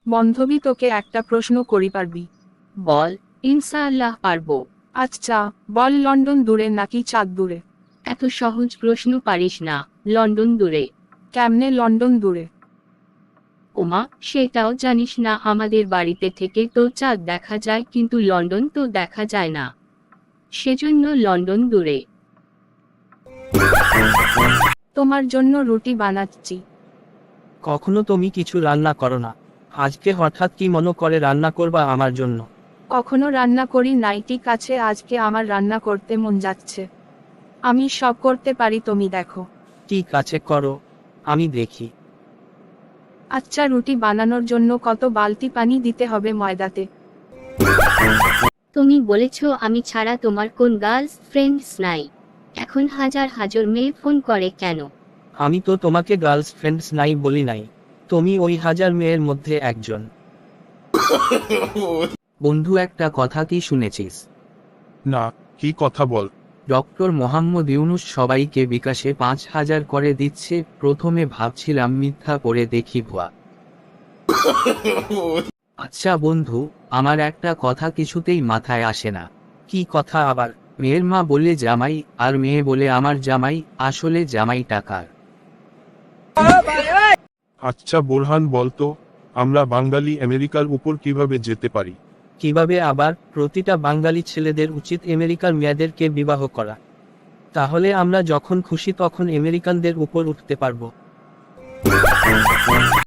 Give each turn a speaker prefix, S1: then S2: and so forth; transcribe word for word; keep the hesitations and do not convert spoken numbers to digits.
S1: বান্ধবী তোকে একটা প্রশ্ন করি পারবি?
S2: বল। ইনশাআল্লাহ পারবো।
S1: আচ্ছা বল, লন্ডন দূরে নাকি চাঁদ দূরে?
S2: এত সহজ প্রশ্ন পারিস না। লন্ডন দূরে।
S1: কেমনে লন্ডন দূরে?
S2: ওমা, সেটাও জানিস না? আমাদের বাড়িতে থেকে তো চাঁদ দেখা যায়, কিন্তু লন্ডন তো দেখা যায় না, সেজন্য লন্ডন দূরে।
S1: তোমার জন্য রুটি বানাচ্ছি।
S3: কখনো তুমি কিছু রান্না করো না, আজকে হঠাৎ কি মনে করে রান্না করবা আমার জন্য?
S1: কখনো রান্না করি নাই, ঠিক আছে আজকে আমার রান্না করতে মন যাচ্ছে। আমি সব করতে পারি, তুমি দেখো।
S3: ঠিক আছে করো, আমি দেখি।
S1: আচ্ছা, রুটি বানানোর জন্য কত বালতি পানি দিতে হবে ময়দাতে?
S2: তুমি বলেছ আমি ছাড়া তোমার কোন গার্লস ফ্রেন্ডস নাই, এখন হাজার হাজার মেয়ে ফোন করে কেন?
S3: আমি তো তোমাকে গার্লস ফ্রেন্ডস নাই বলি নাই, তুমি ওই হাজার মেয়ের মধ্যে একজন। বন্ধু, একটা কথা কি শুনেছিস?
S4: না, কি কথা বল।
S3: ডক্টর মোহাম্মদ ইউনুস সবাইকে বিকাশে পাঁচ হাজার করে দিচ্ছে। প্রথমে ভাবছিলাম মিথ্যা করে দেখি ভুয়া। আচ্ছা বন্ধু, আমার একটা কথা কিছুতেই মাথায় আসে না। কি কথা আবার? মেয়ের মা বলে জামাই, আর মেয়ে বলে আমার জামাই, আসলে জামাই টাকার।
S4: আচ্ছা বোরহান বলতো, আমরা বাঙালি আমেরিকার উপর কিভাবে যেতে পারি?
S3: কিভাবে আবার? প্রতিটা বাঙালি ছেলেদের উচিত আমেরিকার মেয়েদেরকে বিবাহ করা, তাহলে আমরা যখন খুশি তখন আমেরিকানদের উপর উঠতে পারবো।